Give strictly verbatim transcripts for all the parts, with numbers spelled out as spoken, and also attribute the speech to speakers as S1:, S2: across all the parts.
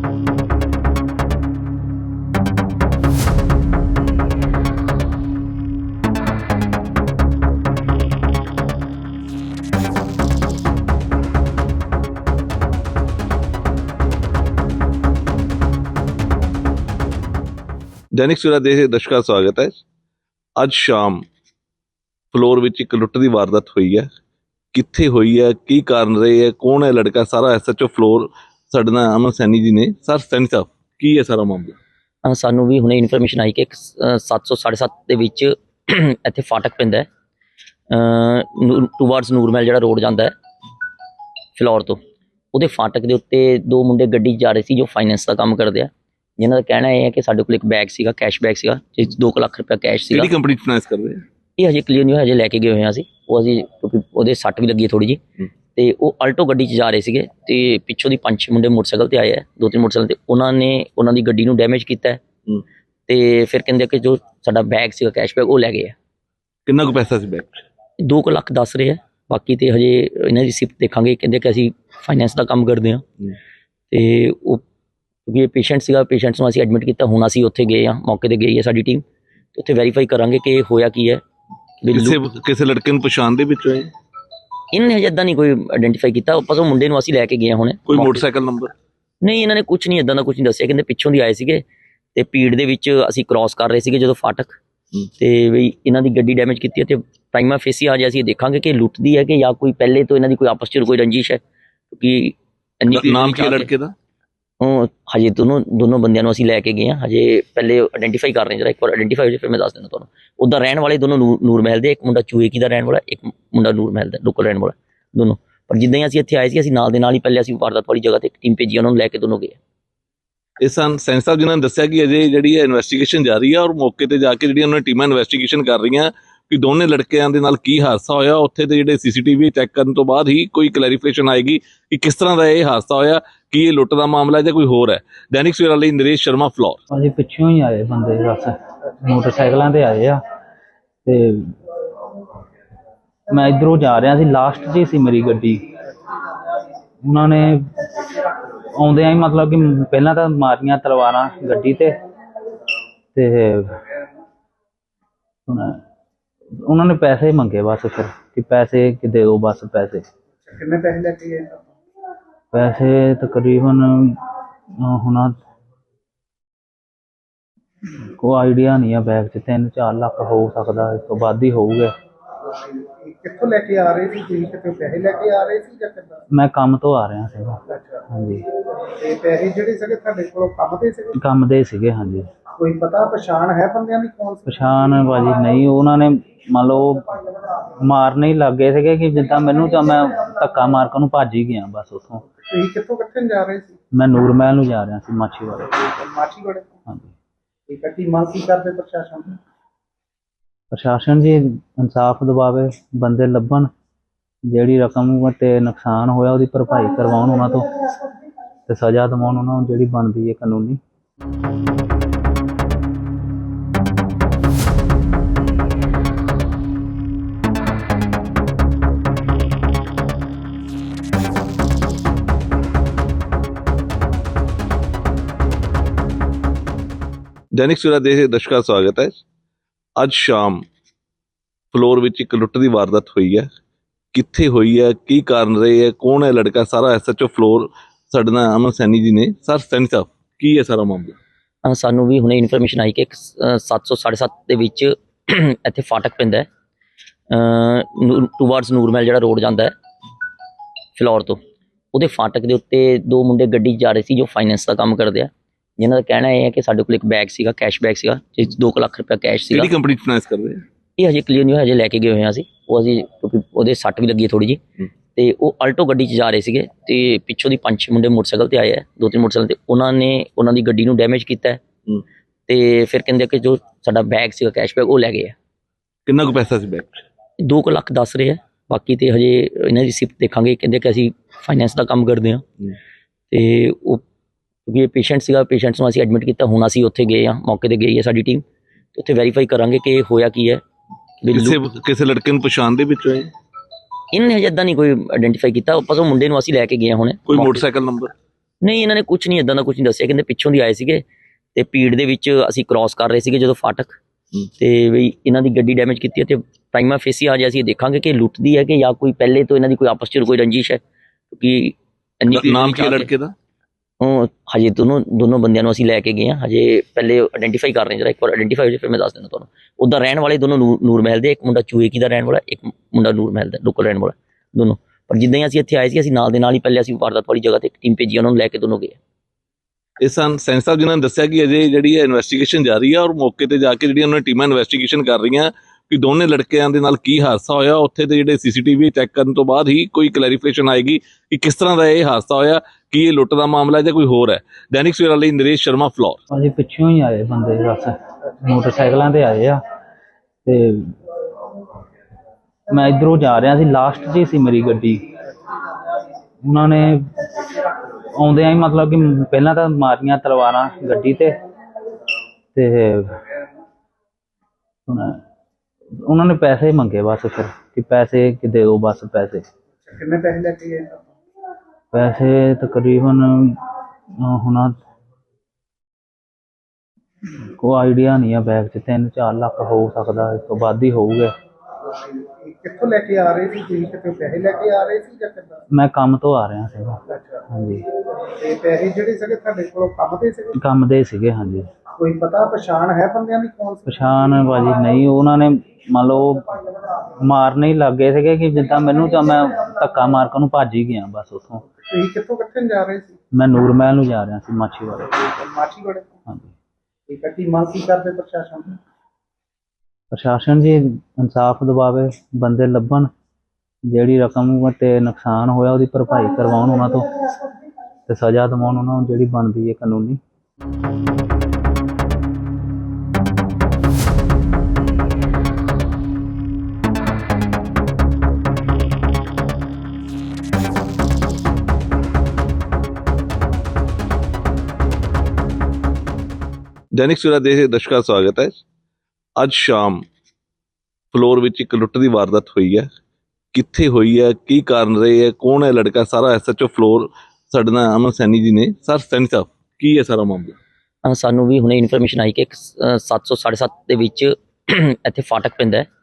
S1: दैनिक सवेरा देश ਦੇ ਦਰਸ਼ਕਾਂ ਦਾ ਸਵਾਗਤ ਹੈ। ਅੱਜ ਸ਼ਾਮ ਫਲੋਰ ਵਿੱਚ ਇੱਕ ਲੁੱਟ ਦੀ ਵਾਰਦਾਤ ਹੋਈ ਹੈ। ਕਿੱਥੇ ਹੋਈ ਹੈ, ਕੀ ਕਾਰਨ ਰਹੇ ਹੈ, ਕੌਣ ਹੈ ਲੜਕਾ, ਸਾਰਾ ਐਸਐਚਓ ਫਲੋਰ ਸਾਡੇ ਨਾਲ ਅਮਨ ਸੈਣੀ ਜੀ ਨੇ। ਸਰ ਸੈਣੀ ਸਾਹਿਬ, ਕੀ ਹੈ ਸਾਰਾ ਮਾਮਲਾ?
S2: ਸਾਨੂੰ ਵੀ ਹੁਣੇ ਇਨਫੋਰਮੇਸ਼ਨ ਆਈ ਕਿ ਇੱਕ ਸੱਤ ਸੌ ਸਾਢੇ ਸੱਤ ਦੇ ਵਿੱਚ ਇੱਥੇ ਫਾਟਕ ਪੈਂਦਾ ਹੈ ਟੂਵਰਡਸ ਨੂਰਮਹਿਲ, ਜਿਹੜਾ ਰੋਡ ਜਾਂਦਾ ਹੈ ਫਲੋਰ ਤੋਂ। ਉਹਦੇ ਫਾਟਕ ਦੇ ਉੱਤੇ ਦੋ ਮੁੰਡੇ ਗੱਡੀ 'ਚ ਜਾ ਰਹੇ ਸੀ ਜੋ ਫਾਈਨੈਂਸ ਦਾ ਕੰਮ ਕਰਦੇ ਆ, ਜਿਨ੍ਹਾਂ ਦਾ ਕਹਿਣਾ ਇਹ ਹੈ ਕਿ ਸਾਡੇ ਕੋਲ ਇੱਕ ਬੈਗ ਸੀਗਾ, ਕੈਸ਼ ਬੈਗ ਸੀਗਾ, ਜਿਸ 'ਚ ਦੋ ਕੁ ਲੱਖ ਰੁਪਇਆ ਕੈਸ਼ ਸੀਗਾ।
S1: ਕਿਹੜੀ ਕੰਪਨੀ ਫਾਈਨੈਂਸ ਕਰਦੇ ਆ?
S2: ਇਹ ਹਜੇ ਕਲੀਅਰ ਨਹੀਂ ਹੋਇਆ, ਹਜੇ ਲੈ ਕੇ ਗਏ ਹੋਏ ਹਾਂ ਅਸੀਂ ਉਹ ਅਸੀਂ, ਕਿਉਂਕਿ ਉਹਦੇ ਸੱਟ ਵੀ ਲੱਗੀ ਹੈ ਥੋੜ੍ਹੀ ਜਿਹੀ। ਤੇ ਉਹ ਆਲਟੋ ਗੱਡੀ 'ਚ ਜਾ ਰਹੇ ਸੀਗੇ ਤੇ ਪਿੱਛੋਂ ਦੀ ਪੰਜ ਛੇ ਮੁੰਡੇ ਮੋਟਰਸਾਈਕਲ ਤੇ ਆਏ ਹੈ, ਦੋ ਤਿੰਨ ਮੋਟਰਸਾਈਕਲ ਤੇ। ਉਹਨਾਂ ਨੇ ਉਹਨਾਂ ਦੀ ਗੱਡੀ ਨੂੰ ਡੈਮੇਜ ਕੀਤਾ ਹੈ ਤੇ ਫਿਰ ਕਹਿੰਦੇ ਕਿ ਜੋ ਸਾਡਾ ਬੈਗ ਸੀਗਾ ਕੈਸ਼ ਬੈਗ ਉਹ ਲੈ ਗਏ ਆ।
S1: ਕਿੰਨਾ ਕੁ ਪੈਸਾ ਸੀ ਬੈਗ 'ਚ?
S2: ਦੋ ਕੁ ਲੱਖ ਦੱਸ ਰਹੇ ਆ, ਬਾਕੀ ਤੇ ਹਜੇ ਇਹਨਾਂ ਦੀ ਸਿਫਤ ਦੇਖਾਂਗੇ। ਕਹਿੰਦੇ ਕਿ ਅਸੀਂ ਫਾਈਨੈਂਸ ਦਾ ਕੰਮ ਕਰਦੇ ਹਾਂ ਤੇ ਉਹ ਕਿਉਂਕਿ ਇਹ ਪੇਸ਼ੈਂਟ ਸੀਗਾ, ਪੇਸ਼ੈਂਟਸ ਨੂੰ ਅਸੀਂ ਐਡਮਿਟ ਕੀਤਾ। ਹੁਣ ਅਸੀਂ ਉੱਥੇ ਗਏ ਹਾਂ, ਮੌਕੇ ਤੇ ਗਈ ਹੈ ਸਾਡੀ ਟੀਮ, ਉੱਥੇ ਵੈਰੀਫਾਈ ਕਰਾਂਗੇ ਕਿ ਹੋਇਆ ਕੀ ਹੈ।
S1: ਕਿਸੇ ਕਿਸੇ ਲੜਕੇ ਨੂੰ ਪਛਾਣ ਦੇ ਵਿੱਚ ਹੋਏ?
S2: ਇਹਨਾਂ ਨੇ ਹਜੇ ਇੱਦਾਂ ਨਹੀਂ ਕੋਈ ਆਇਡੈਂਟੀਫਾਈ ਕੀਤਾ। ਬਸ ਉਹ ਮੁੰਡੇ ਨੂੰ ਅਸੀਂ ਲੈ ਕੇ ਗਏ ਹਾਂ ਹੁਣੇ।
S1: ਕੋਈ ਮੋਟਰਸਾਈਕਲ ਨੰਬਰ?
S2: ਨਹੀਂ, ਇਹਨਾਂ ਨੇ ਕੁਝ ਨਹੀਂ ਇੱਦਾਂ ਦਾ ਕੁਝ ਨਹੀਂ ਦੱਸਿਆ। ਕਹਿੰਦੇ ਪਿੱਛੋਂ ਦੀ ਆਏ ਸੀਗੇ ਤੇ ਭੀੜ ਦੇ ਵਿੱਚ ਅਸੀਂ ਕ੍ਰਾਸ ਕਰ ਰਹੇ ਸੀਗੇ ਜਦੋਂ ਫਾਟਕ, ਤੇ ਵੀ ਇਹਨਾਂ ਦੀ ਗੱਡੀ ਡੈਮੇਜ ਕੀਤੀ ਹੈ। ਤੇ ਪ੍ਰਾਈਮਾ ਫੇਸੀ ਆ ਜੇ ਅਸੀਂ ਦੇਖਾਂਗੇ ਕਿ ਲੁੱਟਦੀ ਹੈ ਕਿ ਜਾਂ ਕੋਈ ਪਹਿਲੇ ਤੋਂ ਇਹਨਾਂ ਦੀ ਕੋਈ ਆਪਸ 'ਚ ਕੋਈ ਰੰਜਿਸ਼ ਹੈ। ਕਿਉਂਕਿ
S1: ਨਾਮ ਕੀ ਹੈ ਲੜਕੇ ਦਾ?
S2: ਉਹ ਹਜੇ ਦੋਨੋਂ ਦੋਨੋਂ ਬੰਦਿਆਂ ਨੂੰ ਅਸੀਂ ਲੈ ਕੇ ਗਏ ਹਾਂ, ਹਜੇ ਪਹਿਲੇ ਆਇਡੈਂਟੀਫਾਈ ਕਰ ਰਹੇ ਹਾਂ। ਜਰਾ ਇੱਕ ਵਾਰ ਆਇਡੈਂਟੀਫਾਈ ਹੋ ਜਾਏ ਫਿਰ ਮੈਂ ਦੱਸ ਦਿੰਦਾ ਤੁਹਾਨੂੰ। ਉੱਦਾਂ ਰਹਿਣ ਵਾਲੇ ਦੋਨੋਂ ਨੂਰ ਨੂਰਮਹਿਲ ਦੇ, ਇੱਕ ਮੁੰਡਾ ਚੂਏਕੀ ਦਾ ਰਹਿਣ ਵਾਲਾ, ਇੱਕ ਮੁੰਡਾ ਨੂਰਮਹਿਲ ਦਾ ਲੋਕਲ ਰਹਿਣ ਵਾਲਾ, ਦੋਨੋਂ। ਪਰ ਜਿੱਦਾਂ ਹੀ ਅਸੀਂ ਇੱਥੇ ਆਏ ਸੀ, ਅਸੀਂ ਨਾਲ ਦੇ ਨਾਲ ਹੀ ਪਹਿਲੇ ਅਸੀਂ ਵਾਰਦਾਤ ਵਾਲੀ ਜਗ੍ਹਾ ਤੇ ਇੱਕ ਟੀਮ ਭੇਜੀ, ਉਹਨਾਂ ਨੂੰ ਲੈ ਕੇ ਦੋਨੋਂ ਗਏ।
S1: ਇਸ ਸਨ ਸੈਂਸ ਸਾਹਿਬ ਜਿਨ੍ਹਾਂ ਨੇ ਦੱਸਿਆ ਕਿ ਅਜੇ ਜਿਹੜੀ ਹੈ ਇਨਵੈਸਟੀਗੇਸ਼ਨ ਜਾਰੀ ਹੈ ਔਰ ਮੌਕੇ ਤੇ ਜਾ ਕੇ ਜਿਹੜੀਆਂ ਉਹਨਾਂ ਟੀਮਾਂ ਇਨਵੈਸਟੀਗੇਸ਼ਨ ਕਰ ਰਹੀਆਂ ਕਿ ਦੋਨੇ ਲੜਕਿਆਂ ਦੇ ਨਾਲ ਕੀ ਹਾਦਸਾ ਹੋਇਆ। ਉੱਥੇ ਦੇ ਜਿਹੜੇ ਸੀਸੀਟੀਵੀ ਚੈੱਕ ਕਰਨ ਤੋਂ ਬਾਅਦ ਹੀ ਕੋਈ ਕਲੈਰੀਫਿਕੇਸ਼ਨ ਆਏਗੀ ਕਿ ਕਿਸ ਤਰ੍ਹਾਂ ਦਾ ਇਹ ਹਾਦਸਾ ਹੋਇਆ, ਕੀ ਇਹ ਲੁੱਟ ਦਾ ਮਾਮਲਾ ਹੈ ਜਾਂ ਕੋਈ ਹੋਰ ਹੈ। ਦੈਨਿਕ ਸਵੇਰਾ ਲਈ ਨਰੇਸ਼ ਸ਼ਰਮਾ, ਫਲੋਰ।
S3: ਅਸੀਂ ਪਿੱਛੋਂ ਹੀ ਆਏ ਬੰਦੇ, ਬਸ ਮੋਟਰਸਾਈਕਲਾਂ ਤੇ ਆਏ ਆ ਤੇ ਮੈਂ ਇੱਧਰੋਂ ਜਾ ਰਿਹਾ ਸੀ, ਲਾਸਟ 'ਚ ਹੀ ਸੀ ਮੇਰੀ ਗੱਡੀ। ਉਹਨਾਂ ਨੇ ਆਉਂਦਿਆਂ ਹੀ ਮਤਲਬ ਕਿ ਪਹਿਲਾਂ ਤਾਂ ਮਾਰੀਆਂ ਤਲਵਾਰਾਂ ਗੱਡੀ ਤੇ ਤੇ ਉਹਨਾਂ ਨੇ ਪੈਸੇ ਮੰਗੇ ਬਸ, ਫਿਰ ਕਿ ਪੈਸੇ ਕਿ ਦੇ ਦਿਓ ਬਸ ਪੈਸੇ।
S4: ਕਿੰਨੇ ਪੈਸੇ ਲੈ ਕੇ ਗਏ?
S3: ਪੈਸੇ ਤਕਰੀਬਨ ਹੁਣ ਕੋਈ ਆਈਡੀਆ ਨਹੀਂ ਆ, ਬੈਗ 'ਚ ਤਿੰਨ ਚਾਰ ਲੱਖ ਹੋ ਸਕਦਾ, ਇਸ ਤੋਂ ਵੱਧ ਹੀ ਹੋਊਗਾ।
S4: ਕਿੱਥੋਂ ਲੈ ਕੇ ਆ ਰਹੇ ਸੀ ਤੁਸੀਂ? ਕਿਤੇ ਪੈਸੇ ਲੈ ਕੇ ਆ ਰਹੇ ਸੀ ਜਾਂ ਕਿੱਦਾਂ?
S3: ਮੈਂ ਕੰਮ ਤੋਂ ਆ ਰਿਹਾ ਸੀਗਾ। ਹਾਂਜੀ।
S4: ਤੇ ਪੈਸੇ ਜਿਹੜੇ ਸੀਗੇ ਤੁਹਾਡੇ ਕੋਲ ਕੰਮ ਦੇ ਸੀਗੇ?
S3: ਕੰਮ ਦੇ ਸੀਗੇ, ਹਾਂਜੀ।
S4: ਕੋਈ ਪਤਾ ਪਛਾਣ ਹੈ ਬੰਦਿਆਂ ਦੀ ਕੌਣ ਸੀ?
S3: ਪਛਾਣ ਭਾਜੀ ਨਹੀਂ, ਉਹਨਾਂ ਨੇ ਮੰਨ ਲਓ ਮਾਰਨ ਹੀ ਲੱਗ ਗਏ ਸੀਗੇ ਕਿ ਜਿੱਦਾਂ ਮੈਨੂੰ ਤਾਂ ਮੈਂ ਧੱਕਾ ਮਾਰ ਕੇ ਉਹਨੂੰ ਭੱਜ ਹੀ ਗਿਆ ਬਸ ਉੱਥੋਂ।
S4: ਤੁਸੀਂ ਕਿੱਥੋਂ ਕਿੱਥੇ ਜਾ ਰਹੇ ਸੀ?
S3: ਮੈਂ ਨੂਰਮਹਿਲ ਨੂੰ ਜਾ ਰਿਹਾ ਸੀ, ਮਾਛੀਵਾੜੇ।
S4: ਮਾਛੀਵਾੜੇ?
S3: ਹਾਂਜੀ।
S4: ਠੀਕ ਹੈ, ਕੀ ਮੰਗ ਕੀ ਕਰਦੇ ਪ੍ਰਸ਼ਾਸਨ ਨੂੰ?
S3: ਪ੍ਰਸ਼ਾਸਨ ਜੀ ਇਨਸਾਫ ਦਿਵਾਵੇ, ਬੰਦੇ ਲੱਭਣ, ਜਿਹੜੀ ਰਕਮ ਤੇ ਨੁਕਸਾਨ ਹੋਇਆ ਉਹਦੀ ਭਰਪਾਈ ਕਰਵਾਉਣ ਉਹਨਾਂ ਤੋਂ, ਤੇ ਸਜ਼ਾ ਦਿਵਾਉਣ ਉਹਨਾਂ ਨੂੰ ਜਿਹੜੀ ਬਣਦੀ ਹੈ ਕਾਨੂੰਨੀ।
S1: दैनिक सवेरा देश ਦੇ ਦਰਸ਼ਕਾਂ ਦਾ ਸਵਾਗਤ ਹੈ। ਅੱਜ ਸ਼ਾਮ ਫਲੋਰ ਵਿੱਚ ਇੱਕ ਲੁੱਟ ਦੀ ਵਾਰਦਾਤ ਹੋਈ ਹੈ। ਕਿੱਥੇ ਹੋਈ ਹੈ, ਕੀ ਕਾਰਨ ਰਹੇ ਹੈ, ਕੌਣ ਹੈ ਲੜਕਾ, ਸਾਰਾ ਐਸਐਚਓ ਫਲੋਰ ਸਾਡੇ ਨਾਲ ਅਮਨ ਸੈਣੀ ਜੀ ਨੇ। ਸਰ ਸੈਣੀ ਸਾਹਿਬ, ਕੀ ਹੈ ਸਾਰਾ ਮਾਮਲਾ?
S2: ਸਾਨੂੰ ਵੀ ਹੁਣੇ ਇਨਫੋਰਮੇਸ਼ਨ ਆਈ ਕਿ ਇੱਕ ਸੱਤ ਸੌ ਸਾਢੇ ਸੱਤ ਦੇ ਵਿੱਚ ਇੱਥੇ ਫਾਟਕ ਪੈਂਦਾ ਹੈ ਟੂਵਰਡਸ ਨੂਰਮਹਿਲ, ਜਿਹੜਾ ਰੋਡ ਜਾਂਦਾ ਹੈ ਫਲੋਰ ਤੋਂ। ਉਹਦੇ ਫਾਟਕ ਦੇ ਉੱਤੇ ਦੋ ਮੁੰਡੇ ਗੱਡੀ 'ਚ ਜਾ ਰਹੇ ਸੀ ਜੋ ਫਾਈਨੈਂਸ ਦਾ ਕੰਮ ਕਰਦੇ ਆ, ਜਿਨ੍ਹਾਂ ਦਾ ਕਹਿਣਾ ਇਹ ਹੈ ਕਿ ਸਾਡੇ ਕੋਲ ਇੱਕ ਬੈਗ ਸੀਗਾ, ਕੈਸ਼ ਬੈਗ ਸੀਗਾ, ਜਿਸ 'ਚ ਦੋ ਕੁ ਲੱਖ ਰੁਪਇਆ ਕੈਸ਼ ਸੀਗਾ।
S1: ਕਿਹੜੀ ਕੰਪਨੀ ਫਾਈਨੈਂਸ ਕਰਦੇ ਆ?
S2: ਇਹ ਹਜੇ ਕਲੀਅਰ ਨਹੀਂ ਹੋਇਆ, ਹਜੇ ਲੈ ਕੇ ਗਏ ਹੋਏ ਹਾਂ ਅਸੀਂ ਉਹ ਅਸੀਂ, ਕਿਉਂਕਿ ਉਹਦੇ ਸੱਟ ਵੀ ਲੱਗੀ ਹੈ ਥੋੜ੍ਹੀ ਜਿਹੀ। ਤੇ ਉਹ ਆਲਟੋ ਗੱਡੀ 'ਚ ਜਾ ਰਹੇ ਸੀਗੇ ਤੇ ਪਿੱਛੋਂ ਦੀ ਪੰਜ ਛੇ ਮੁੰਡੇ ਮੋਟਰਸਾਈਕਲ ਤੇ ਆਏ ਹੈ, ਦੋ ਤਿੰਨ ਮੋਟਰਸਾਈਕਲ ਤੇ। ਉਹਨਾਂ ਨੇ ਉਹਨਾਂ ਦੀ ਗੱਡੀ ਨੂੰ ਡੈਮੇਜ ਕੀਤਾ ਹੈ ਤੇ ਫਿਰ ਕਹਿੰਦੇ ਕਿ ਜੋ ਸਾਡਾ ਬੈਗ ਸੀਗਾ ਕੈਸ਼ ਬੈਗ ਉਹ ਲੈ ਗਏ ਆ।
S1: ਕਿੰਨਾ ਕੁ ਪੈਸਾ ਸੀ ਬੈਗ 'ਚ?
S2: ਦੋ ਕੁ ਲੱਖ ਦੱਸ ਰਹੇ ਆ, ਬਾਕੀ ਤੇ ਹਜੇ ਇਹਨਾਂ ਦੀ ਸਿਫਤ ਦੇਖਾਂਗੇ। ਕਹਿੰਦੇ ਕਿ ਅਸੀਂ ਫਾਈਨੈਂਸ ਦਾ ਕੰਮ ਕਰਦੇ ਹਾਂ ਤੇ ਉਹ ਕਿਉਂਕਿ ਇਹ ਪੇਸ਼ੈਂਟ ਸੀਗਾ, ਪੇਸ਼ੈਂਟਸ ਨੂੰ ਅਸੀਂ ਐਡਮਿਟ ਕੀਤਾ। ਹੁਣ ਅਸੀਂ ਉੱਥੇ ਗਏ ਹਾਂ, ਮੌਕੇ ਤੇ ਗਈ ਹੈ ਸਾਡੀ ਟੀਮ, ਉੱਥੇ ਵੈਰੀਫਾਈ ਕਰਾਂਗੇ ਕਿ ਹੋਇਆ ਕੀ ਹੈ।
S1: ਕਿਸੇ ਕਿਸੇ ਲੜਕੇ ਨੂੰ ਪਛਾਣ ਦੇ ਵਿੱਚ ਹੋਏ?
S2: ਇਹਨਾਂ ਨੇ ਹਜੇ ਇੱਦਾਂ ਨਹੀਂ ਕੋਈ ਆਇਡੈਂਟੀਫਾਈ ਕੀਤਾ। ਬਸ ਉਹ ਮੁੰਡੇ ਨੂੰ ਅਸੀਂ ਲੈ ਕੇ ਗਏ ਹਾਂ ਹੁਣੇ।
S1: ਕੋਈ ਮੋਟਰਸਾਈਕਲ ਨੰਬਰ?
S2: ਨਹੀਂ ਇਹਨਾਂ ਨੇ ਕੁਝ ਨਹੀਂ ਇਦਾਂ ਦਾ ਕੁਝ ਨਹੀਂ ਦੱਸਿਆ, ਕਹਿੰਦੇ ਪਿੱਛੋਂ ਦੀ ਆਏ ਸੀਗੇ ਤੇ ਭੀੜ ਦੇ ਵਿੱਚ ਅਸੀਂ ਕ੍ਰਾਸ ਕਰ ਰਹੇ ਸੀਗੇ ਜਦੋਂ ਫਾਟਕ, ਤੇ ਵੀ ਇਹਨਾਂ ਦੀ ਗੱਡੀ ਡੈਮੇਜ ਕੀਤੀ ਹੈ ਤੇ ਪ੍ਰਾਈਮਾ ਫੇਸੀ ਆ ਜਾ ਅਸੀਂ ਦੇਖਾਂਗੇ ਕਿ ਲੁੱਟਦੀ ਹੈ ਕਿ ਜਾਂ ਕੋਈ ਪਹਿਲੇ ਤੋਂ ਇਹਨਾਂ ਦੀ ਕੋਈ ਆਪਸ 'ਚ ਕੋਈ ਰੰਜਿਸ਼ ਹੈ, ਕਿਉਂਕਿ ਇੰਨੀ ਭੀੜ
S1: ਨਾਮ
S2: ਵਿੱਚ
S1: ਕੀ ਹੈ
S2: ਆ ਕੇ-
S1: ਲੜਕੇ ਦਾ?
S2: ਉਹ ਹਜੇ ਦੋਨੋਂ ਦੋਨੋਂ ਬੰਦਿਆਂ ਨੂੰ ਅਸੀਂ ਲੈ ਕੇ ਗਏ ਹਾਂ, ਹਜੇ ਪਹਿਲੇ ਆਇਡੈਂਟੀਫਾਈ ਕਰ ਰਹੇ ਹਾਂ, ਜਰਾ ਇੱਕ ਵਾਰ ਆਇਡੈਂਟੀਫਾਈ ਹੋ ਜਾਏ ਫਿਰ ਮੈਂ ਦੱਸ ਦਿੰਦਾ ਤੁਹਾਨੂੰ। ਉੱਦਾਂ ਰਹਿਣ ਵਾਲੇ ਦੋਨੋਂ ਨੂਰ ਨੂਰ ਮਹਿਲ ਦੇ, ਇੱਕ ਮੁੰਡਾ ਚੂਏਕੀ ਦਾ ਰਹਿਣ ਵਾਲਾ, ਇੱਕ ਮੁੰਡਾ ਨੂਰ ਮਹਿਲ ਦਾ ਲੋਕਲ ਰਹਿਣ ਵਾਲਾ ਦੋਨੋਂ। ਪਰ ਜਿੱਦਾਂ ਹੀ ਅਸੀਂ ਇੱਥੇ ਆਏ ਸੀ ਅਸੀਂ ਨਾਲ ਦੇ ਨਾਲ ਹੀ ਪਹਿਲੇ ਅਸੀਂ ਵਾਰਦਾਤ ਵਾਲੀ ਜਗ੍ਹਾ ਤੇ ਇੱਕ ਟੀਮ ਭੇਜੀ, ਉਹਨਾਂ ਨੂੰ ਲੈ ਕੇ ਦੋਨੋਂ ਗਏ।
S1: ਇਸ ਸਨ ਸੈਂਸ ਸਾਹਿਬ ਜਿਨ੍ਹਾਂ ਨੇ ਦੱਸਿਆ ਕਿ ਅਜੇ ਜਿਹੜੀ ਹੈ ਇਨਵੈਸਟੀਗੇਸ਼ਨ ਜਾਰੀ ਹੈ ਔਰ ਮੌਕੇ ਤੇ ਜਾ ਕੇ ਜਿਹੜੀਆਂ ਉਹਨਾਂ ਟੀਮਾਂ ਇਨਵੈਸਟੀਗੇਸ਼ਨ ਕਰ ਰਹੀਆਂ ਕਿ ਦੋਨੇ ਲੜਕਿਆਂ ਦੇ ਨਾਲ ਕੀ ਹਾਦਸਾ ਹੋਇਆ। ਉੱਥੇ ਦੇ ਜਿਹੜੇ ਸੀਸੀਟੀਵੀ ਚੈੱਕ ਕਰਨ ਤੋਂ ਬਾਅਦ ਹੀ ਕੋਈ ਕਲੈਰੀਫਿਕੇਸ਼ਨ ਆਏਗੀ ਕਿ ਕਿਸ ਤਰ੍ਹਾਂ ਦਾ ਇਹ ਹਾਦਸਾ ਹੋਇਆ, ਕੀ ਇਹ ਲੁੱਟ ਦਾ ਮਾਮਲਾ ਹੈ ਜਾਂ ਕੋਈ ਹੋਰ ਹੈ। ਦੈਨਿਕ ਸਵੇਰਾ ਲਈ ਨਰੇਸ਼ ਸ਼ਰਮਾ, ਫਲੋਰ।
S3: ਅਸੀਂ ਪਿੱਛੋਂ ਹੀ ਆਏ ਬੰਦੇ, ਬਸ ਮੋਟਰਸਾਈਕਲਾਂ ਤੇ ਆਏ ਆ ਤੇ ਮੈਂ ਇਧਰੋਂ ਜਾ ਰਿਹਾ ਸੀ, ਲਾਸਟ 'ਚ ਹੀ ਸੀ ਮੇਰੀ ਗੱਡੀ। ਉਹਨਾਂ ਨੇ ਆਉਂਦਿਆਂ ਹੀ ਮਤਲਬ ਕਿ ਪਹਿਲਾਂ ਤਾਂ ਮਾਰੀਆਂ ਤਲਵਾਰਾਂ ਗੱਡੀ ਤੇ ਤੇ ਉਹਨਾਂ ਉਹਨਾਂ ਨੇ ਪੈਸੇ ਮੰਗੇ ਬਸ, ਫਿਰ ਕਿ ਪੈਸੇ ਕਿ ਦੇ ਦਿਓ ਬਸ ਪੈਸੇ।
S4: ਕਿੰਨੇ ਪੈਸੇ ਲੈ ਕੇ ਗਏ?
S3: ਪੈਸੇ ਤਕਰੀਬਨ ਅਹ ਹੁਣ ਕੋਈ ਆਈਡੀਆ ਨਹੀਂ ਆ, ਬੈਗ 'ਚ ਤਿੰਨ ਚਾਰ ਲੱਖ ਹੋ ਸਕਦਾ, ਇਸ ਤੋਂ ਵੱਧ ਹੀ ਹੋਊਗਾ।
S4: ਇਹ ਕਿੱਥੋਂ ਲੈ ਕੇ ਆ ਰਹੇ ਸੀ ਤੁਸੀਂ? ਕਿਤੇ ਪੈਸੇ ਲੈ ਕੇ ਆ ਰਹੇ ਸੀ ਜਾਂ ਕਿੱਦਾਂ?
S3: ਮੈਂ ਕੰਮ ਤੋਂ ਆ ਰਿਹਾ ਸੀਗਾ।
S4: ਅੱਛਾ,
S3: ਹਾਂਜੀ,
S4: ਤੇ ਪੈਸੇ ਜਿਹੜੇ ਸੀਗੇ ਤੁਹਾਡੇ ਕੋਲ ਕੰਮ ਦੇ ਸੀਗੇ?
S3: ਕੰਮ ਦੇ ਸੀਗੇ। ਹਾਂਜੀ,
S4: ਕੋਈ ਪਤਾ ਪਛਾਣ ਹੈ ਬੰਦਿਆਂ ਦੀ ਕੌਣ ਸੀ?
S3: ਪਛਾਣ ਭਾਜੀ ਨਹੀਂ, ਉਹਨਾਂ ਨੇ ਮੰਨ ਲਓ ਮਾਰਨੇ ਹੀ ਲੱਗ ਗਏ ਸੀਗੇ ਕਿ ਜਿੱਦਾਂ ਮੈਨੂੰ ਤਾਂ ਮੈਂ ਧੱਕਾ ਮਾਰ ਕੇ ਉਹਨੂੰ ਭੱਜ ਹੀ ਗਿਆ ਬਸ ਉੱਥੋਂ।
S4: ਤੁਸੀਂ ਕਿੱਥੋਂ ਕਿੱਥੇ ਨੂੰ ਜਾ ਰਹੇ ਸੀ?
S3: ਮੈਂ ਨੂਰ ਮਹਿਲ ਨੂੰ ਜਾ ਰਿਹਾ ਸੀ, ਮਾਛੀਵਾੜੇ।
S4: ਮਾਛੀਵਾੜੇ ਤੋਂ?
S3: ਹਾਂਜੀ,
S4: ਠੀਕ ਹੈ, ਕੀ ਮੰਗ ਕੀ ਕਰਦੇ ਪ੍ਰਸ਼ਾਸਨ ਤੋਂ?
S3: ਪ੍ਰਸ਼ਾਸਨ ਜੀ ਇਨਸਾਫ ਦਿਵਾਵੇ, ਬੰਦੇ ਲੱਭਣ, ਜਿਹੜੀ ਰਕਮ ਤੇ ਨੁਕਸਾਨ ਹੋਇਆ ਉਹਦੀ ਭਰਪਾਈ ਕਰਵਾਉਣ ਉਹਨਾਂ ਤੋਂ, ਤੇ ਸਜ਼ਾ ਦਿਵਾਉਣ ਉਹਨਾਂ ਨੂੰ ਜਿਹੜੀ ਬਣਦੀ ਹੈ ਕਾਨੂੰਨੀ।
S1: ਦੈਨਿਕ ਸਵੇਰਾ ਦੇ ਦਰਸ਼ਕਾਂ ਦਾ ਸਵਾਗਤ ਹੈ। ਅੱਜ ਸ਼ਾਮ ਫਲੋਰ ਵਿੱਚ ਇੱਕ ਲੁੱਟ ਦੀ ਵਾਰਦਾਤ ਹੋਈ ਹੈ। ਕਿੱਥੇ ਹੋਈ ਹੈ, ਕੀ ਕਾਰਨ ਰਹੇ ਹੈ, ਕੌਣ ਹੈ ਲੜਕਾ, ਸਾਰਾ ਐਸਐਚਓ ਫਲੋਰ ਸਾਡੇ ਨਾਲ ਅਮਨ ਸੈਣੀ ਜੀ ਨੇ। ਸਰ ਸੈਣੀ ਸਾਹਿਬ, ਕੀ ਹੈ ਸਾਰਾ ਮਾਮਲਾ?
S2: ਅਹ ਸਾਨੂੰ ਵੀ ਹੁਣੇ ਇਨਫੋਰਮੇਸ਼ਨ ਆਈ ਕਿ ਇੱਕ ਸੱਤ ਸੌ ਸਾਢੇ ਸੱਤ ਦੇ ਵਿੱਚ ਇੱਥੇ ਫਾਟਕ ਪੈਂਦਾ ਹੈ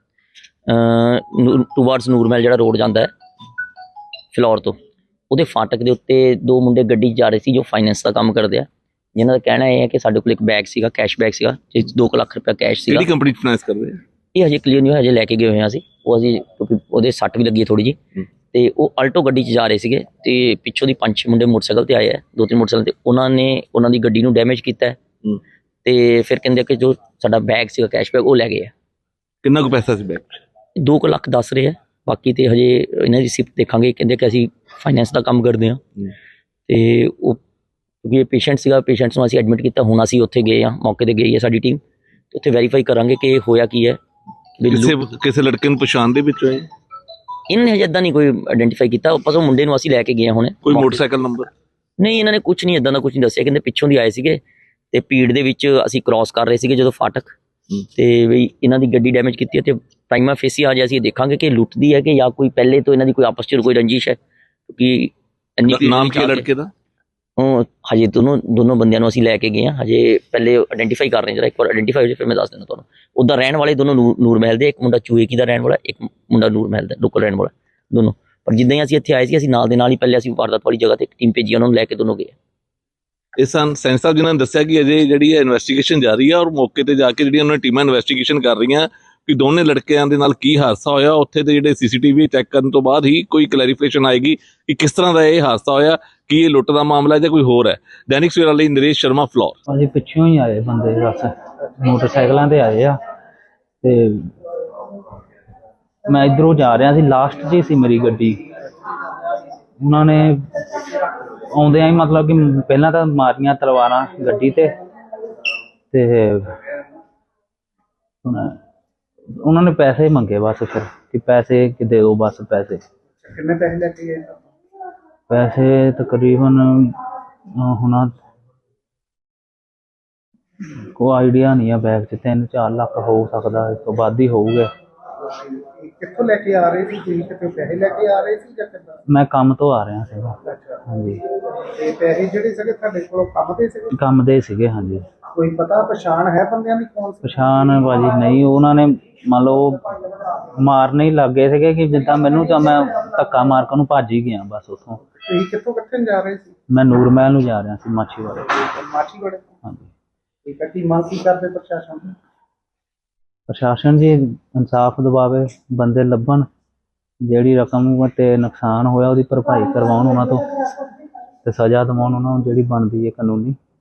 S2: ਟੂਵਰਡਸ ਨੂਰ ਮਹਿਲ, ਜਿਹੜਾ ਰੋਡ ਜਾਂਦਾ ਹੈ ਫਲੋਰ ਤੋਂ, ਉਹਦੇ ਫਾਟਕ ਦੇ ਉੱਤੇ ਦੋ ਮੁੰਡੇ ਗੱਡੀ 'ਚ ਜਾ ਰਹੇ ਸੀ ਜੋ ਫਾਈਨੈਂਸ ਦਾ ਕੰਮ ਕਰਦੇ ਆ, ਜਿਨ੍ਹਾਂ ਦਾ ਕਹਿਣਾ ਇਹ ਹੈ ਕਿ ਸਾਡੇ ਕੋਲ ਇੱਕ ਬੈਗ ਸੀਗਾ, ਕੈਸ਼ ਬੈਗ ਸੀਗਾ, ਜਿਸ 'ਚ ਦੋ ਕੁ ਲੱਖ ਰੁਪਇਆ ਕੈਸ਼ ਸੀਗਾ।
S1: ਕਿਹੜੀ ਕੰਪਨੀ ਫਾਈਨੈਂਸ ਕਰਦੇ ਆ?
S2: ਇਹ ਹਜੇ ਕਲੀਅਰ ਨਹੀਂ ਹੋਇਆ, ਹਜੇ ਲੈ ਕੇ ਗਏ ਹੋਏ ਹਾਂ ਅਸੀਂ ਉਹ, ਅਸੀਂ ਕਿਉਂਕਿ ਉਹਦੇ ਸੱਟ ਵੀ ਲੱਗੀ ਹੈ ਥੋੜੀ ਜਿਹੀ। ਤੇ ਉਹ ਆਲਟੋ ਗੱਡੀ 'ਚ ਜਾ ਰਹੇ ਸੀਗੇ ਤੇ ਪਿੱਛੋਂ ਦੀ ਪੰਜ ਛੇ ਮੁੰਡੇ ਮੋਟਰਸਾਈਕਲ ਤੇ ਆਏ ਆ, ਦੋ ਤਿੰਨ ਮੋਟਰਸਾਈਕਲ ਤੇ, ਉਹਨਾਂ ਨੇ ਉਹਨਾਂ ਦੀ ਗੱਡੀ ਨੂੰ ਡੈਮੇਜ ਕੀਤਾ ਹੈ ਤੇ ਫਿਰ ਕਹਿੰਦੇ ਕਿ ਜੋ ਸਾਡਾ ਬੈਗ ਸੀਗਾ ਕੈਸ਼ ਬੈਗ ਉਹ ਲੈ ਗਏ ਆ।
S1: ਕਿੰਨਾ ਕੁ ਪੈਸਾ ਸੀ ਬੈਗ 'ਚ?
S2: ਦੋ ਕੁ ਲੱਖ ਦੱਸ ਰਹੇ ਆ, ਬਾਕੀ ਤੇ ਹਜੇ ਇਹਨਾਂ ਦੀ ਸਿਫਤ ਦੇਖਾਂਗੇ। ਕਹਿੰਦੇ ਕਿ ਅਸੀਂ ਫਾਈਨੈਂਸ ਦਾ ਕੰਮ ਕਰਦੇ ਹਾਂ ਤੇ ਉਹ ਕਿਉਂਕਿ ਇਹ ਪੇਸ਼ੈਂਟ ਸੀਗਾ, ਪੇਸ਼ੈਂਟਸ ਨੂੰ ਅਸੀਂ ਐਡਮਿਟ ਕੀਤਾ। ਹੁਣ ਅਸੀਂ ਉੱਥੇ ਗਏ ਹਾਂ, ਮੌਕੇ ਤੇ ਗਈ ਹੈ ਸਾਡੀ ਟੀਮ, ਤੇ ਉੱਥੇ ਵੈਰੀਫਾਈ ਕਰਾਂਗੇ ਕਿ ਇਹ ਹੋਇਆ ਕੀ ਹੈ।
S1: ਕਿਸੇ ਕਿਸੇ ਲੜਕੇ ਨੂੰ ਪਛਾਣ ਦੇ ਵਿੱਚ ਹੋਏ?
S2: ਇਹਨਾਂ ਨੇ ਹਜੇ ਇੱਦਾਂ ਨਹੀਂ ਕੋਈ ਆਇਡੈਂਟੀਫਾਈ ਕੀਤਾ, ਬਸ ਉਹ ਮੁੰਡੇ ਨੂੰ ਅਸੀਂ ਲੈ ਕੇ ਗਏ ਹਾਂ ਹੁਣੇ।
S1: ਕੋਈ ਮੋਟਰਸਾਈਕਲ ਨੰਬਰ?
S2: ਨਹੀਂ, ਇਹਨਾਂ ਨੇ ਕੁਝ ਨਹੀਂ ਇੱਦਾਂ ਦਾ ਕੁਝ ਨਹੀਂ ਦੱਸਿਆ, ਕਹਿੰਦੇ ਪਿੱਛੋਂ ਦੀ ਆਏ ਸੀਗੇ ਤੇ ਭੀੜ ਦੇ ਵਿੱਚ ਅਸੀਂ ਕ੍ਰਾਸ ਕਰ ਰਹੇ ਸੀਗੇ ਜਦੋਂ ਫਾਟਕ, ਤੇ ਵੀ ਇਹਨਾਂ ਦੀ ਗੱਡੀ ਡੈਮੇਜ ਕੀਤੀ ਹੈ ਤੇ ਪ੍ਰਾਈਮਾ ਫੇਸੀ ਆ ਜਾ ਅਸੀਂ ਦੇਖਾਂਗੇ ਕਿ ਲੁੱਟਦੀ ਹੈ ਕਿ ਜਾਂ ਕੋਈ ਪਹਿਲੇ ਤੋਂ ਇਹਨਾਂ ਦੀ ਕੋਈ ਆਪਸ 'ਚ ਕੋਈ ਰੰਜਿਸ਼ ਹੈ, ਕਿਉਂਕਿ ਇੰਨੀ ਭੀੜ
S1: ਨਾਮ
S2: ਵਿੱਚ
S1: ਕੀ ਹੈ
S2: ਆ ਕੇ-
S1: ਲੜਕੇ ਦਾ?
S2: ਉਹ ਹਜੇ ਦੋਨੋਂ ਦੋਨੋਂ ਬੰਦਿਆਂ ਨੂੰ ਅਸੀਂ ਲੈ ਕੇ ਗਏ ਹਾਂ, ਹਜੇ ਪਹਿਲੇ ਆਇਡੈਂਟੀਫਾਈ ਕਰ ਰਹੇ ਹਾਂ, ਜਰਾ ਇੱਕ ਵਾਰ ਆਇਡੈਂਟੀਫਾਈ ਹੋ ਜਾਏ ਫਿਰ ਮੈਂ ਦੱਸ ਦਿੰਦਾ ਤੁਹਾਨੂੰ। ਉੱਦਾਂ ਰਹਿਣ ਵਾਲੇ ਦੋਨੋਂ ਨੂਰ ਨੂਰ ਮਹਿਲ ਦੇ, ਇੱਕ ਮੁੰਡਾ ਚੂਏਕੀ ਦਾ ਰਹਿਣ ਵਾਲਾ, ਇੱਕ ਮੁੰਡਾ ਨੂਰ ਮਹਿਲ ਦਾ ਲੋਕਲ ਰਹਿਣ ਵਾਲਾ ਦੋਨੋਂ। ਪਰ ਜਿੱਦਾਂ ਹੀ ਅਸੀਂ ਇੱਥੇ ਆਏ ਸੀ ਅਸੀਂ ਨਾਲ ਦੇ ਨਾਲ ਹੀ ਪਹਿਲੇ ਅਸੀਂ ਵਾਰਦਾਤ ਵਾਲੀ ਜਗ੍ਹਾ ਤੇ ਇੱਕ ਟੀਮ ਭੇਜੀ, ਉਹਨਾਂ ਨੂੰ ਲੈ ਕੇ ਦੋਨੋਂ ਗਏ।
S1: ਇਸ ਸਨ ਸੈਂਸ ਸਾਹਿਬ ਜਿਨ੍ਹਾਂ ਨੇ ਦੱਸਿਆ ਕਿ ਅਜੇ ਜਿਹੜੀ ਹੈ ਇਨਵੈਸਟੀਗੇਸ਼ਨ ਜਾਰੀ ਹੈ ਔਰ ਮੌਕੇ ਤੇ ਜਾ ਕੇ ਜਿਹੜੀਆਂ ਉਹਨਾਂ ਟੀਮਾਂ ਇਨਵੈਸਟੀਗੇਸ਼ਨ ਕਰ ਰਹੀਆਂ ਕਿ ਦੋਨੇ ਲੜਕਿਆਂ ਦੇ ਨਾਲ ਕੀ ਹਾਦਸਾ ਹੋਇਆ। ਉੱਥੇ ਦੇ ਜਿਹੜੇ ਸੀਸੀਟੀਵੀ ਚੈੱਕ ਕਰਨ ਤੋਂ ਬਾਅਦ ਹੀ ਕੋਈ ਕਲੈਰੀਫਿਕੇਸ਼ਨ ਆਏਗੀ ਕਿ ਕਿਸ ਤਰ੍ਹਾਂ ਦਾ ਇਹ ਹਾਦਸਾ ਹੋਇਆ, ਕੀ ਇਹ ਲੁੱਟ ਦਾ ਮਾਮਲਾ ਹੈ ਜਾਂ ਕੋਈ ਹੋਰ ਹੈ। ਦੈਨਿਕ ਸਵੇਰਾ ਲਈ ਨਰੇਸ਼ ਸ਼ਰਮਾ, ਫਲੋਰ।
S3: ਅਸੀਂ ਪਿੱਛੋਂ ਹੀ ਆਏ ਬੰਦੇ, ਬਸ ਮੋਟਰਸਾਈਕਲਾਂ ਤੇ ਆਏ ਆ ਤੇ ਮੈਂ ਇਧਰੋਂ ਜਾ ਰਿਹਾ ਸੀ, ਲਾਸਟ 'ਚ ਹੀ ਸੀ ਮੇਰੀ ਗੱਡੀ। ਉਹਨਾਂ ਨੇ ਆਉਂਦਿਆਂ ਹੀ ਮਤਲਬ ਕਿ ਪਹਿਲਾਂ ਤਾਂ ਮਾਰੀਆਂ ਤਲਵਾਰਾਂ ਗੱਡੀ ਤੇ ਤੇ ਉਹਨਾਂ ਨੇ ਪੈਸੇ ਮੰਗੇ ਬਸ, ਫਿਰ ਕਿ ਪੈਸੇ ਕਿ ਦੇ ਦਿਓ ਬਸ ਪੈਸੇ।
S4: ਕਿੰਨੇ ਪੈਸੇ ਲੈ ਕੇ ਗਏ?
S3: ਪੈਸੇ ਤਕਰੀਬਨ ਅਹ ਹੁਣ ਕੋਈ ਆਈਡੀਆ ਨਹੀਂ ਆ, ਬੈਗ 'ਚ ਤਿੰਨ ਚਾਰ ਲੱਖ ਹੋ ਸਕਦਾ, ਇਸ ਤੋਂ ਵੱਧ ਹੀ ਹੋਊਗਾ।
S4: ਇਹ ਕਿੱਥੋਂ ਲੈ ਕੇ ਆ ਰਹੇ ਸੀ ਤੁਸੀਂ? ਕਿਤੇ ਪੈਸੇ ਲੈ ਕੇ ਆ ਰਹੇ ਸੀ ਜਾਂ ਕਿੱਦਾਂ?
S3: ਮੈਂ ਕੰਮ ਤੋਂ ਆ ਰਿਹਾ ਸੀਗਾ।
S4: ਅੱਛਾ,
S3: ਹਾਂਜੀ,
S4: ਤੇ ਪੈਸੇ ਜਿਹੜੇ ਸੀਗੇ ਤੁਹਾਡੇ ਕੋਲ ਕੰਮ ਦੇ ਸੀਗੇ?
S3: ਕੰਮ ਦੇ ਸੀਗੇ। ਹਾਂਜੀ,
S4: ਕੋਈ ਪਤਾ ਪਛਾਣ ਹੈ ਬੰਦਿਆਂ ਦੀ ਕੌਣ ਸੀ?
S3: ਪਛਾਣ ਭਾਜੀ ਨਹੀਂ, ਉਹਨਾਂ ਨੇ ਮੰਨ ਲਓ ਮਾਰਨੇ ਹੀ ਲੱਗ ਗਏ ਸੀਗੇ ਕਿ ਜਿੱਦਾਂ ਮੈਨੂੰ ਤਾਂ ਮੈਂ ਧੱਕਾ ਮਾਰ ਕੇ ਉਹਨੂੰ ਭੱਜ ਹੀ ਗਿਆ ਬਸ ਉੱਥੋਂ।
S4: ਤੁਸੀਂ ਕਿੱਥੋਂ ਕਿੱਥੇ ਨੂੰ ਜਾ ਰਹੇ ਸੀ?
S3: ਮੈਂ ਨੂਰ ਮਹਿਲ ਨੂੰ ਜਾ ਰਿਹਾ ਸੀ ਮਾਛੀਵਾੜੇ।
S4: ਮਾਛੀਵਾੜੇ ਤੋਂ?
S3: ਹਾਂਜੀ,
S4: ਠੀਕ ਹੈ, ਕੀ ਮੰਗ ਕੀ ਕਰਦੇ ਪ੍ਰਸ਼ਾਸਨ ਤੋਂ?
S3: ਪ੍ਰਸ਼ਾਸਨ ਜੀ ਇਨਸਾਫ ਦਿਵਾਵੇ, ਬੰਦੇ ਲੱਭਣ, ਜਿਹੜੀ ਰਕਮ ਤੇ ਨੁਕਸਾਨ ਹੋਇਆ ਉਹਦੀ ਭਰਪਾਈ ਕਰਵਾਉਣ ਉਹਨਾਂ ਤੋਂ, ਤੇ ਸਜ਼ਾ ਦਿਵਾਉਣ ਉਹਨਾਂ ਨੂੰ ਜਿਹੜੀ ਬਣਦੀ ਹੈ ਕਾਨੂੰਨੀ।